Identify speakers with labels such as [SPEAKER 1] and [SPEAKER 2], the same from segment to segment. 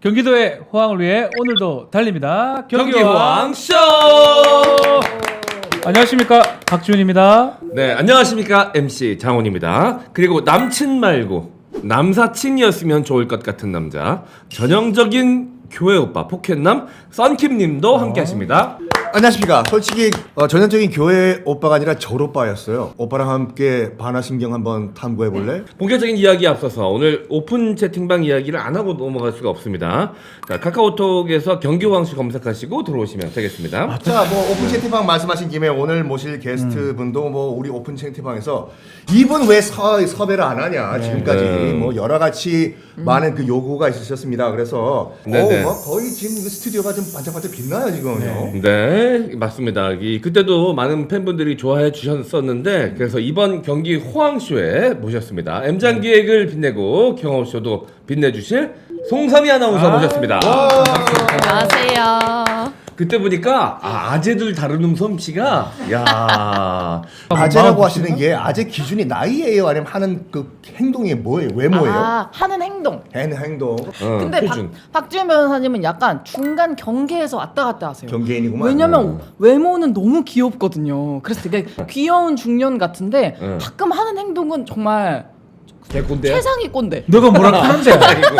[SPEAKER 1] 경기도의 호황을 위해 오늘도 달립니다.
[SPEAKER 2] 경기호황쇼!
[SPEAKER 1] 안녕하십니까, 박지훈입니다.
[SPEAKER 2] 네, 안녕하십니까, MC 장훈입니다. 그리고 남친 말고 남사친이었으면 좋을 것 같은 남자, 전형적인 교회 오빠 포켓남 썬킴님도 함께하십니다.
[SPEAKER 3] 안녕하십니까. 솔직히 전형적인 교회 오빠가 아니라 절 오빠였어요. 오빠랑 함께 반화신경 한번 탐구해볼래?
[SPEAKER 2] 본격적인 이야기에 앞서서 오늘 오픈 채팅방 이야기를 안 하고 넘어갈 수가 없습니다. 자, 카카오톡에서 경기호황쇼 검색하시고 들어오시면 되겠습니다.
[SPEAKER 3] 자, 뭐 오픈 채팅방 말씀하신 김에 오늘 모실 게스트 분도 뭐 우리 오픈 채팅방에서 이분 왜 섭외를 안 하냐 지금까지 뭐 여러 가지 많은 그 요구가 있으셨습니다. 그래서
[SPEAKER 2] 네네.
[SPEAKER 3] 뭐 거의 지금 이 스튜디오가 좀 반짝반짝 빛나요 지금요.
[SPEAKER 2] 네, 맞습니다. 그때도 많은 팬분들이 좋아해 주셨었는데 그래서 이번 경기 호황쇼에 모셨습니다. M장기획을 빛내고 경험쇼도 빛내주실 송삼이 아나운서 모셨습니다.
[SPEAKER 4] 안녕하세요.
[SPEAKER 2] 그때 보니까 아재들 다루는 솜씨가 야
[SPEAKER 3] 아재라고 하시는 게 아재 기준이 나이예요? 아니면 하는 그 행동이 뭐예요? 외모예요?
[SPEAKER 4] 하는 행동.
[SPEAKER 3] 행동
[SPEAKER 4] 근데
[SPEAKER 2] 표준.
[SPEAKER 4] 박지훈 변호사님은 약간 중간 경계에서 왔다 갔다 하세요.
[SPEAKER 3] 경계인이구만.
[SPEAKER 4] 왜냐면 외모는 너무 귀엽거든요. 그래서 되게 귀여운 중년 같은데 가끔 하는 행동은 정말
[SPEAKER 2] 개꼰대야?
[SPEAKER 4] 최상위 꼰대.
[SPEAKER 1] 너가 뭐라 하는데?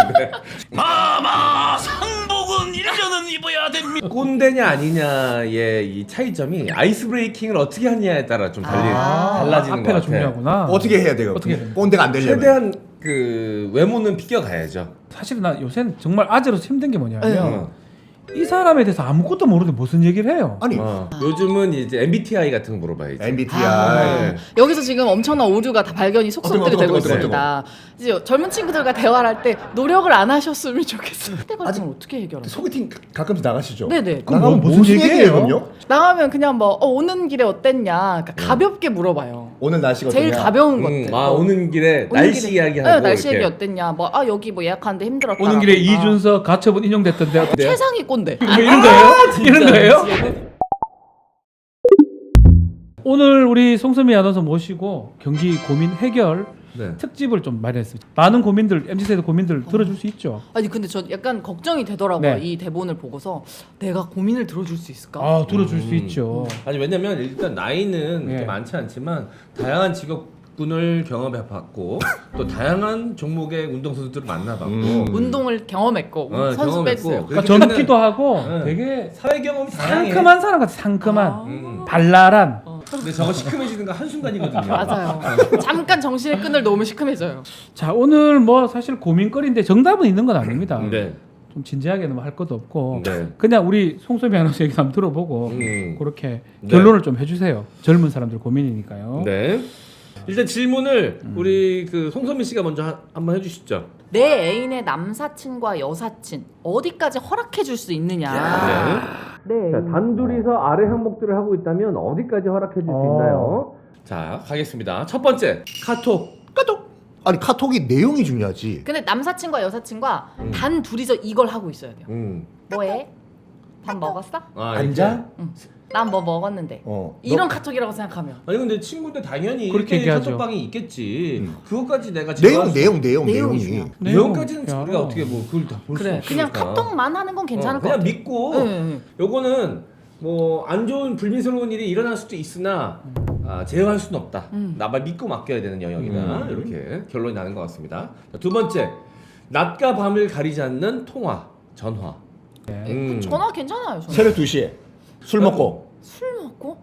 [SPEAKER 5] 마마 상복은 1년은 입어야 됩니다.
[SPEAKER 2] 꼰대냐 아니냐의 이 차이점이 아이스 브레이킹을 어떻게 하느냐에 따라 좀 달라지는 것
[SPEAKER 1] 앞에가
[SPEAKER 2] 같아.
[SPEAKER 1] 중요하구나.
[SPEAKER 3] 어떻게 해야 돼요?
[SPEAKER 1] 어떻게 해야 돼요?
[SPEAKER 3] 꼰대가 안 되려면.
[SPEAKER 2] 최대한 그 외모는 비껴가야죠.
[SPEAKER 1] 사실은 나 요새는 정말 아재로서 힘든 게 뭐냐면
[SPEAKER 2] 어.
[SPEAKER 1] 이 사람에 대해서 아무것도 모르는데 무슨 얘기를 해요.
[SPEAKER 3] 아니
[SPEAKER 2] 요즘은 이제 MBTI 같은 거 물어봐야지.
[SPEAKER 3] MBTI
[SPEAKER 4] 여기서 지금 엄청난 오류가 다 발견이 속속들이
[SPEAKER 3] 어떤
[SPEAKER 4] 되고
[SPEAKER 3] 거,
[SPEAKER 4] 있습니다. 이제 젊은 친구들과 대화를 할 때 노력을 안 하셨으면 좋겠어요. 그때 같은 걸 어떻게 해결하세요?
[SPEAKER 3] 소개팅 가끔씩 나가시죠?
[SPEAKER 4] 네네.
[SPEAKER 1] 그럼
[SPEAKER 3] 나가면
[SPEAKER 1] 무슨
[SPEAKER 3] 무슨
[SPEAKER 1] 얘기예요?
[SPEAKER 3] 얘기예요, 그럼요?
[SPEAKER 4] 나가면 그냥 뭐 오는 길에 어땠냐 그러니까 가볍게 물어봐요.
[SPEAKER 3] 오늘 날씨가
[SPEAKER 4] 제일
[SPEAKER 3] 어떠냐?
[SPEAKER 4] 가벼운 것들.
[SPEAKER 2] 오는 길에
[SPEAKER 4] 오는
[SPEAKER 2] 날씨
[SPEAKER 4] 길에-
[SPEAKER 2] 이야기하고
[SPEAKER 4] 날씨 얘기
[SPEAKER 2] 이렇게.
[SPEAKER 4] 어땠냐 뭐 여기 뭐 예약하는데 힘들었다
[SPEAKER 1] 오는 길에 이준석 가처분 인용됐던데 어때요?
[SPEAKER 4] 최상위 꼰대.
[SPEAKER 1] 뭐 이런 거예요? 이런 거예요? 오늘 우리 송소미 아나운서 모시고 경기 고민 해결
[SPEAKER 2] 네.
[SPEAKER 1] 특집을 좀 마련했습니다. 많은 고민들, MZ세대 고민들 들어줄 수 있죠.
[SPEAKER 4] 아니 근데 저 약간 걱정이 되더라고요.
[SPEAKER 1] 네.
[SPEAKER 4] 이 대본을 보고서 내가 고민을 들어줄 수 있을까?
[SPEAKER 1] 아, 들어줄 수 있죠.
[SPEAKER 2] 아니 왜냐면 일단 나이는
[SPEAKER 1] 네.
[SPEAKER 2] 그렇게 많지 않지만 다양한 직업군을 경험해봤고 또 다양한 종목의 운동선수들을 만나봤고
[SPEAKER 4] 운동을 경험했고 선수
[SPEAKER 2] 경험했고.
[SPEAKER 4] 뺐어요.
[SPEAKER 1] 그러니까
[SPEAKER 2] 그렇기
[SPEAKER 1] 젊기도
[SPEAKER 2] 때문에-
[SPEAKER 1] 하고
[SPEAKER 2] 네.
[SPEAKER 1] 되게
[SPEAKER 2] 사회 경험이 다양해.
[SPEAKER 1] 상큼한 사람 같아. 상큼한
[SPEAKER 4] 아.
[SPEAKER 1] 발랄한.
[SPEAKER 2] 근데 저거 시큼해지는 거 한순간이거든요.
[SPEAKER 4] 맞아요. 잠깐 정신의 끈을 놓으면 시큼해져요.
[SPEAKER 1] 자, 오늘 뭐 사실 고민거리인데 정답은 있는 건 아닙니다.
[SPEAKER 2] 네.
[SPEAKER 1] 좀 진지하게는 뭐 할 것도 없고
[SPEAKER 2] 네.
[SPEAKER 1] 그냥 우리 송소미 아나운서 얘기 한번 들어보고 그렇게 결론을 좀 해주세요. 젊은 사람들 고민이니까요.
[SPEAKER 2] 네. 일단 질문을 우리 그 송선미 씨가 먼저 한번 해주시죠.
[SPEAKER 4] 내 애인의 남사친과 여사친 어디까지 허락해 줄 수 있느냐.
[SPEAKER 2] 네. 자, 단둘이서 아래 항목들을 하고 있다면 어디까지 허락해 줄 수 있나요? 자, 가겠습니다. 첫 번째, 카톡.
[SPEAKER 3] 아니 카톡이 내용이 중요하지.
[SPEAKER 4] 근데 남사친과 여사친과 단 둘이서 이걸 하고 있어야 돼요. 뭐해? 밥 먹었어?
[SPEAKER 3] 앉아?
[SPEAKER 4] 난 뭐 먹었는데. 이런 카톡이라고 생각하면.
[SPEAKER 2] 아니 근데 친구인데 당연히
[SPEAKER 1] 그렇게
[SPEAKER 2] 이렇게
[SPEAKER 1] 얘기하죠.
[SPEAKER 2] 카톡방이 있겠지. 그것까지 내가
[SPEAKER 3] 내용이
[SPEAKER 4] 내용이
[SPEAKER 2] 내용까지는
[SPEAKER 1] 야.
[SPEAKER 2] 우리가 어떻게 뭐 그걸 다 볼 수
[SPEAKER 4] 그래.
[SPEAKER 2] 없으니까.
[SPEAKER 4] 그냥 카톡만 하는 건 괜찮을 것
[SPEAKER 2] 그냥
[SPEAKER 4] 같아.
[SPEAKER 2] 믿고
[SPEAKER 4] 네.
[SPEAKER 2] 요거는 뭐 안 좋은 불미스러운 일이 일어날 수도 있으나 제어할 수는 없다. 나만 믿고 맡겨야 되는 영역이다. 이렇게 결론이 나는 것 같습니다. 자, 두 번째, 낮과 밤을 가리지 않는 통화, 전화.
[SPEAKER 1] 네.
[SPEAKER 4] 전화 괜찮아요. 저는.
[SPEAKER 3] 새벽 2시에 술 먹고.
[SPEAKER 4] 술 먹고?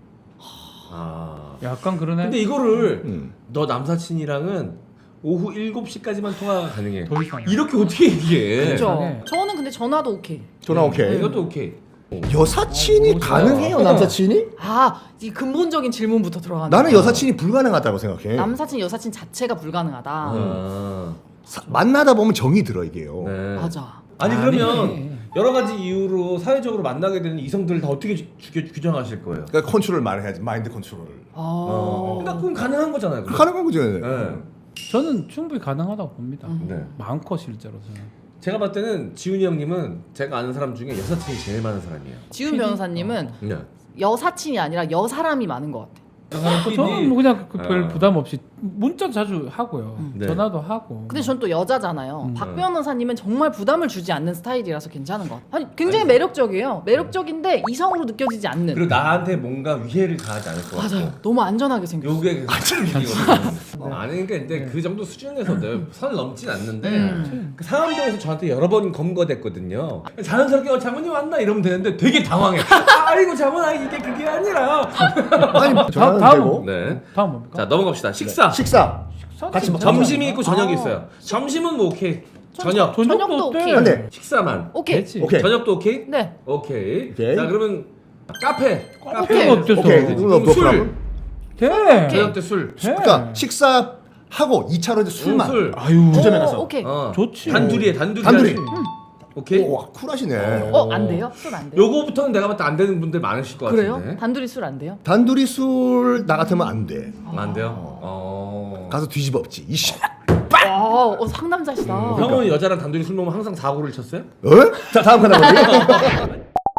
[SPEAKER 1] 약간 그러네.
[SPEAKER 2] 근데 이거를 너 남사친이랑은 오후 7시까지만 통화가 가능해.
[SPEAKER 1] 더 이상.
[SPEAKER 2] 이렇게 어떻게 얘기해?
[SPEAKER 4] 그렇죠.
[SPEAKER 1] 네.
[SPEAKER 4] 저는 근데 전화도 오케이.
[SPEAKER 3] 전화 오케이.
[SPEAKER 2] 이것도 오케이.
[SPEAKER 3] 여사친이 가능해요, 남사친이?
[SPEAKER 4] 이 근본적인 질문부터 들어가는
[SPEAKER 3] 나는
[SPEAKER 4] 거야.
[SPEAKER 3] 여사친이 불가능하다고 생각해.
[SPEAKER 4] 남사친 여사친 자체가 불가능하다.
[SPEAKER 3] 만나다 보면 정이 들어 이게요.
[SPEAKER 2] 네.
[SPEAKER 4] 맞아.
[SPEAKER 2] 아니
[SPEAKER 1] 아니.
[SPEAKER 2] 그러면 여러 가지 이유로 사회적으로 만나게 되는 이성들을 다 어떻게 규정하실 거예요?
[SPEAKER 3] 그러니까 컨트롤 많이 해야지. 마인드 컨트롤.
[SPEAKER 2] 그러니까 그건 가능한 거잖아요. 그럼.
[SPEAKER 3] 가능한 거죠.
[SPEAKER 2] 네.
[SPEAKER 1] 저는 충분히 가능하다고 봅니다.
[SPEAKER 2] 네.
[SPEAKER 1] 많고 실제로 저는.
[SPEAKER 2] 제가 봤을 때는 지훈이 형님은 제가 아는 사람 중에 여사친이 제일 많은 사람이에요.
[SPEAKER 4] 지훈 변호사님은
[SPEAKER 2] 네.
[SPEAKER 4] 여사친이 아니라 여사람이 많은 것 같아.
[SPEAKER 1] 저는 뭐 그냥 별 부담 없이 문자 자주 하고요.
[SPEAKER 2] 네.
[SPEAKER 1] 전화도 하고.
[SPEAKER 4] 근데 전 또 여자잖아요. 박 변호사님은 정말 부담을 주지 않는 스타일이라서 괜찮은 것 같아요. 아니, 굉장히
[SPEAKER 2] 아니,
[SPEAKER 4] 매력적이에요. 매력적인데 이성으로 느껴지지 않는.
[SPEAKER 2] 그리고 나한테 뭔가 위해를 가하지 않을 것 같고.
[SPEAKER 4] 맞아요. 너무 안전하게 생겼어요.
[SPEAKER 2] 요게 안전이거든요. 아니 그러니까 이제 그 정도 수준에서 선을 넘진 않는데 그 상암동에서 저한테 여러 번 검거됐거든요. 자연스럽게 장모님 왔나 이러면 되는데 되게 당황해. 아이고 장모나 이게 그게 아니라.
[SPEAKER 3] 아니 전화는
[SPEAKER 1] 다음은
[SPEAKER 3] 되고
[SPEAKER 2] 네.
[SPEAKER 1] 다음 뭡니까?
[SPEAKER 2] 자 넘어갑시다. 식사.
[SPEAKER 3] 식사 같이 먹자.
[SPEAKER 2] 점심이 있고 저녁이 있어요. 점심은 뭐 오케이. 저녁.
[SPEAKER 4] 저녁도
[SPEAKER 1] 어때?
[SPEAKER 4] 오케이.
[SPEAKER 3] 근데
[SPEAKER 2] 식사만.
[SPEAKER 4] 오케이.
[SPEAKER 1] 되지.
[SPEAKER 3] 오케이.
[SPEAKER 2] 저녁도 오케이?
[SPEAKER 4] 네.
[SPEAKER 2] 오케이.
[SPEAKER 3] 오케이.
[SPEAKER 2] 자 그러면 카페.
[SPEAKER 1] 카페는 어때서?
[SPEAKER 3] 오케이. 그럼
[SPEAKER 2] 술.
[SPEAKER 3] 그러면
[SPEAKER 1] 돼.
[SPEAKER 2] 저녁 때 술.
[SPEAKER 3] 그러니까 식사하고 2차로 이제 술만.
[SPEAKER 2] 술.
[SPEAKER 1] 아유.
[SPEAKER 3] 주점에 가서.
[SPEAKER 4] 오케이.
[SPEAKER 1] 좋지.
[SPEAKER 2] 단둘이.
[SPEAKER 3] 단둘이.
[SPEAKER 2] 오케이.
[SPEAKER 3] 오, 와, 쿨하시네.
[SPEAKER 4] 안 돼요? 술 안 돼요?
[SPEAKER 2] 요거부터는 내가 봤을 때 안 되는 분들 많으실 것
[SPEAKER 4] 그래요?
[SPEAKER 2] 같은데.
[SPEAKER 4] 단둘이 술 안 돼요?
[SPEAKER 3] 단둘이 술 나 같으면 안 돼.
[SPEAKER 2] 안 돼요?
[SPEAKER 3] 가서 뒤집어엎지. 이씨.
[SPEAKER 4] 상남자시다.
[SPEAKER 2] 형은 여자랑 단둘이 술 먹으면 항상 사고를 쳤어요?
[SPEAKER 3] 어? 자 다음 하나 보지.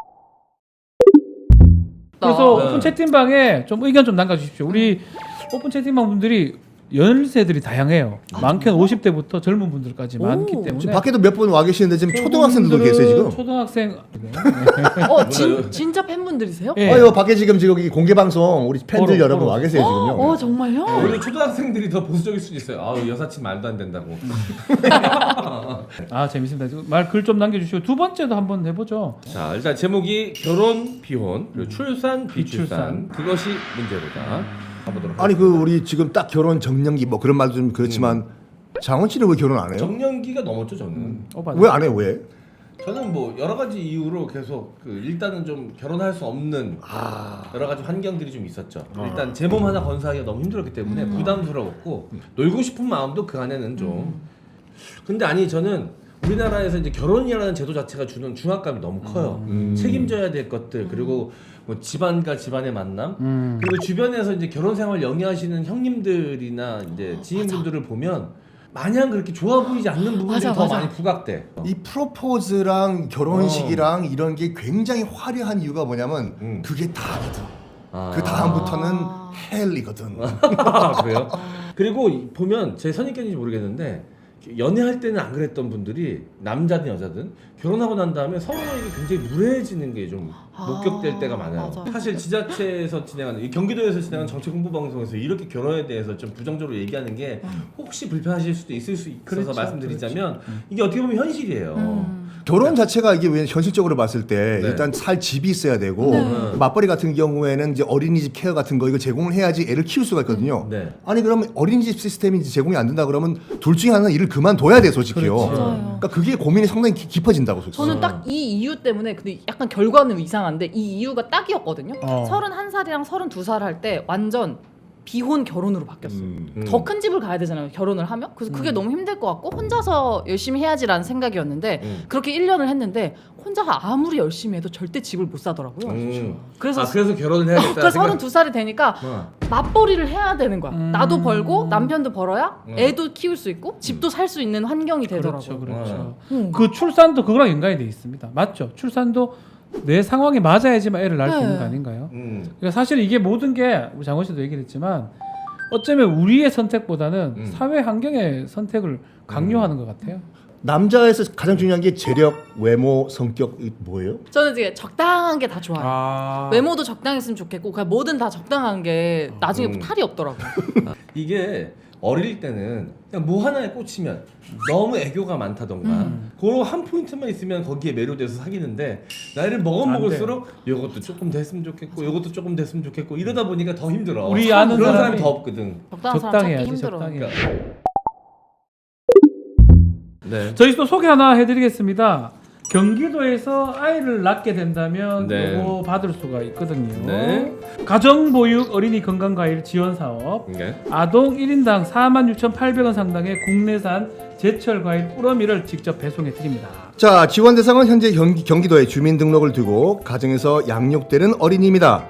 [SPEAKER 1] 그래서
[SPEAKER 2] 네.
[SPEAKER 1] 오픈 채팅방에 좀 의견 좀 남겨주십시오. 우리 오픈 채팅방 분들이 연세들이 다양해요. 많게는 50대부터 젊은 분들까지 많기 때문에.
[SPEAKER 3] 지금 밖에도 몇 분 와 계시는데 지금 초등학생들도 계세요 지금.
[SPEAKER 1] 초등학생.
[SPEAKER 4] 진짜 팬분들이세요?
[SPEAKER 1] 예.
[SPEAKER 3] 아유 밖에 지금 이 공개 방송 우리 팬들
[SPEAKER 1] 어로,
[SPEAKER 3] 여러분
[SPEAKER 1] 어로.
[SPEAKER 3] 와 계세요 지금요.
[SPEAKER 4] 정말요?
[SPEAKER 2] 오히려 초등학생들이 더 보수적일 수도 있어요. 아우 여사친 말도 안 된다고.
[SPEAKER 1] 아 재밌습니다. 말 글 좀 남겨주시고 두 번째도 한번 해보죠.
[SPEAKER 2] 자 일단 제목이 결혼 비혼 그리고 출산
[SPEAKER 1] 비출산.
[SPEAKER 2] 비출산 그것이 문제로다. 가보도록
[SPEAKER 3] 아니 그 우리 지금 딱 결혼 정년기 뭐 그런 말도 좀 그렇지만 장원 씨는 왜 결혼 안 해요?
[SPEAKER 2] 정년기가 넘었죠 저는.
[SPEAKER 3] 왜 안 해요 왜?
[SPEAKER 2] 저는 뭐 여러 가지 이유로 계속 그 일단은 좀 결혼할 수 없는 여러 가지 환경들이 좀 있었죠. 일단 제 몸 하나 건사하기가 너무 힘들었기 때문에 부담스러웠고 놀고 싶은 마음도 그 안에는 좀. 근데 아니 저는 우리나라에서 이제 결혼이라는 제도 자체가 주는 중압감이 너무 커요. 책임져야 될 것들 그리고 뭐 집안과 집안의 만남 그리고 주변에서 이제 결혼 생활 영위하시는 형님들이나 이제 지인분들을 보면 마냥 그렇게 좋아 보이지 않는 부분들이 더 많이 부각돼.
[SPEAKER 3] 이 프로포즈랑 결혼식이랑 이런 게 굉장히 화려한 이유가 뭐냐면 그게 다거든. 그 다음부터는 헬이거든.
[SPEAKER 2] 그래요? 그리고 보면 제 선입견인지 모르겠는데 연애할 때는 안 그랬던 분들이 남자든 여자든 결혼하고 난 다음에 서로에게 굉장히 무례해지는 게 좀 목격될 때가 많아요.
[SPEAKER 4] 맞아.
[SPEAKER 2] 사실 지자체에서 진행하는 이 경기도에서 진행하는 정책 홍보 방송에서 이렇게 결혼에 대해서 좀 부정적으로 얘기하는 게 혹시 불편하실 수도 있을 수 있어서
[SPEAKER 1] 그렇죠,
[SPEAKER 2] 말씀드리자면 이게 어떻게 보면 현실이에요.
[SPEAKER 3] 결혼 자체가 이게 왜 현실적으로 봤을 때
[SPEAKER 2] 네.
[SPEAKER 3] 일단 살 집이 있어야 되고 맞벌이 같은 경우에는 이제 어린이집 케어 같은 거 이거 제공을 해야지 애를 키울 수가 있거든요.
[SPEAKER 2] 네.
[SPEAKER 3] 아니 그러면 어린이집 시스템이 이제 제공이 안 된다 그러면 둘 중에 하나는 일을 그만둬야 돼 솔직히요.
[SPEAKER 1] 그렇지.
[SPEAKER 4] 맞아요.
[SPEAKER 3] 그러니까 그게 고민이 상당히 깊어진다고 솔직히.
[SPEAKER 4] 저는 딱 이 이유 때문에 근데 약간 결과는 이상한데 이 이유가 딱이었거든요. 31살이랑 32살 할 때 완전 비혼 결혼으로 바뀌었어요. 더 큰 집을 가야 되잖아요. 결혼을 하면. 그래서 그게 너무 힘들 것 같고 혼자서 열심히 해야지라는 생각이었는데 그렇게 1년을 했는데 혼자 아무리 열심히 해도 절대 집을 못 사더라고요. 그래서
[SPEAKER 2] 그래서 결혼을 해야겠다.
[SPEAKER 4] 그 32살이 되니까 맞벌이를 해야 되는 거야. 나도 벌고 남편도 벌어야 애도 키울 수 있고 집도 살 수 있는 환경이 되더라고요.
[SPEAKER 1] 그렇죠. 그 출산도 그거랑 연관이 돼 있습니다. 맞죠? 출산도 내 상황에 맞아야지만 애를 낳을 수 있는 거 아닌가요? 그러니까 사실 이게 모든 게 우리 장원 씨도 얘기를 했지만 어쩌면 우리의 선택보다는 사회 환경의 선택을 강요하는 것 같아요.
[SPEAKER 3] 남자에서 가장 중요한 게 재력, 외모, 성격 뭐예요?
[SPEAKER 4] 저는 이제 적당한 게 다 좋아요. 외모도 적당했으면 좋겠고 그냥 뭐든 다 적당한 게 나중에 탈이 없더라고요.
[SPEAKER 2] 이게 어릴 때는 그냥 뭐 하나에 꽂히면 너무 애교가 많다던가 그런 한 포인트만 있으면 거기에 매료돼서 사귀는데 나이를 먹을수록 이것도 조금 됐으면 좋겠고 이것도 조금 됐으면 좋겠고 이러다 보니까 더 힘들어.
[SPEAKER 1] 우리 아는
[SPEAKER 2] 그런 사람이
[SPEAKER 1] 사람이
[SPEAKER 2] 더 없거든.
[SPEAKER 4] 적당한 사람 찾기
[SPEAKER 1] 적당해야지,
[SPEAKER 4] 힘들어.
[SPEAKER 1] 적당해.
[SPEAKER 2] 네.
[SPEAKER 1] 저희 또 소개 하나 해드리겠습니다. 경기도에서 아이를 낳게 된다면
[SPEAKER 2] 네.
[SPEAKER 1] 이거 받을 수가 있거든요.
[SPEAKER 2] 네.
[SPEAKER 1] 가정보육 어린이 건강과일 지원사업
[SPEAKER 2] 네.
[SPEAKER 1] 아동 1인당 46,800원 상당의 국내산 제철 과일 뿌러미를 직접 배송해 드립니다.
[SPEAKER 3] 자, 지원 대상은 현재 경기도에 주민등록을 두고 가정에서 양육되는 어린이입니다.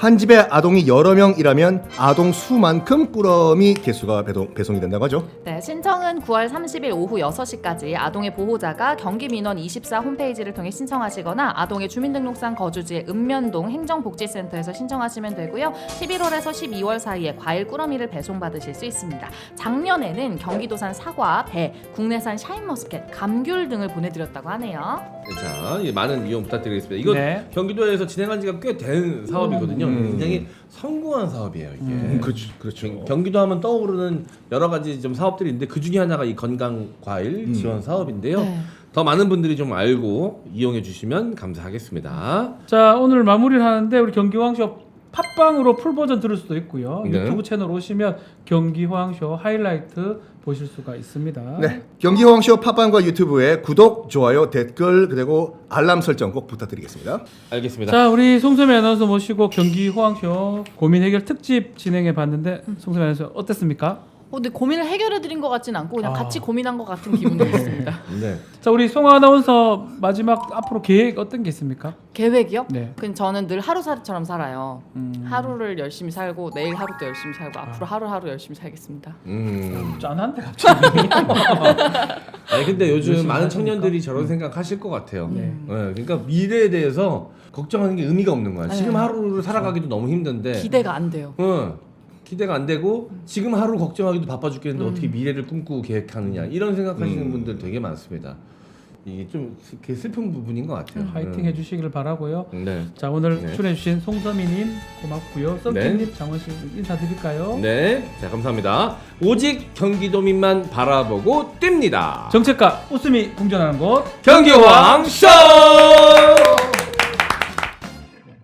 [SPEAKER 3] 한 집에 아동이 여러 명이라면 아동 수만큼 꾸러미 개수가 배송이 된다고 하죠.
[SPEAKER 4] 네, 신청은 9월 30일 오후 6시까지 아동의 보호자가 경기민원24 홈페이지를 통해 신청하시거나 아동의 주민등록상 거주지의 읍면동 행정복지센터에서 신청하시면 되고요. 11월에서 12월 사이에 과일 꾸러미를 배송받으실 수 있습니다. 작년에는 경기도산 사과, 배, 국내산 샤인머스켓, 감귤 등을 보내드렸다고 하네요.
[SPEAKER 2] 자, 많은 이용 부탁드리겠습니다. 이거
[SPEAKER 1] 네.
[SPEAKER 2] 경기도에서 진행한 지가 꽤 된 사업이거든요. 굉장히 성공한 사업이에요, 이게.
[SPEAKER 3] 그렇죠.
[SPEAKER 2] 경기도 하면 떠오르는 여러 가지 좀 사업들이 있는데 그 중에 하나가 이 건강 과일 지원 사업인데요.
[SPEAKER 4] 네.
[SPEAKER 2] 더 많은 분들이 좀 알고 이용해 주시면 감사하겠습니다.
[SPEAKER 1] 자, 오늘 마무리를 하는데 우리 경기호황쇼 팟빵으로 풀 버전 들을 수도 있고요.
[SPEAKER 2] 네.
[SPEAKER 1] 유튜브 채널 오시면 경기호황쇼 하이라이트 보실 수가 있습니다.
[SPEAKER 3] 네, 경기호황쇼 팟빵과 유튜브에 구독, 좋아요, 댓글 그리고 알람 설정 꼭 부탁드리겠습니다.
[SPEAKER 2] 알겠습니다.
[SPEAKER 1] 자, 우리 송소미 아나운서 모시고 경기호황쇼 고민 해결 특집 진행해 봤는데 송소미 아나운서 어땠습니까?
[SPEAKER 4] 근데 고민을 해결해드린 것 같진 않고 그냥 같이 고민한 것 같은 기분이 있습니다.
[SPEAKER 2] 네.
[SPEAKER 1] 자, 우리 송 아나운서 마지막 앞으로 계획 어떤 게 있습니까?
[SPEAKER 4] 계획이요?
[SPEAKER 1] 네.
[SPEAKER 4] 그냥 저는 늘 하루살이처럼 살아요. 하루를 열심히 살고 내일 하루도 열심히 살고 앞으로 하루하루 열심히 살겠습니다.
[SPEAKER 1] 짠한데 갑자기.
[SPEAKER 2] 아니 근데 요즘
[SPEAKER 1] 열심히
[SPEAKER 2] 많은
[SPEAKER 1] 하시니까.
[SPEAKER 2] 청년들이 저런 생각하실 것 같아요. 네, 그러니까 미래에 대해서 걱정하는 게 의미가 없는 거야. 지금 하루를 살아가기도 너무 힘든데.
[SPEAKER 4] 기대가 안 돼요.
[SPEAKER 2] 기대가 안 되고 지금 하루 걱정하기도 바빠 죽겠는데 어떻게 미래를 꿈꾸고 계획하느냐 이런 생각하시는 분들 되게 많습니다. 이게 좀 슬픈 부분인 것 같아요.
[SPEAKER 1] 화이팅 해주시길 바라고요.
[SPEAKER 2] 네.
[SPEAKER 1] 자, 오늘
[SPEAKER 2] 네.
[SPEAKER 1] 출연해주신 송서미님 고맙고요. 썸띵님, 장원씨 인사드릴까요?
[SPEAKER 2] 네, 자 감사합니다. 오직 경기도민만 바라보고 뜁니다.
[SPEAKER 1] 정책과 웃음이 공존하는 곳
[SPEAKER 2] 경기호황 쇼.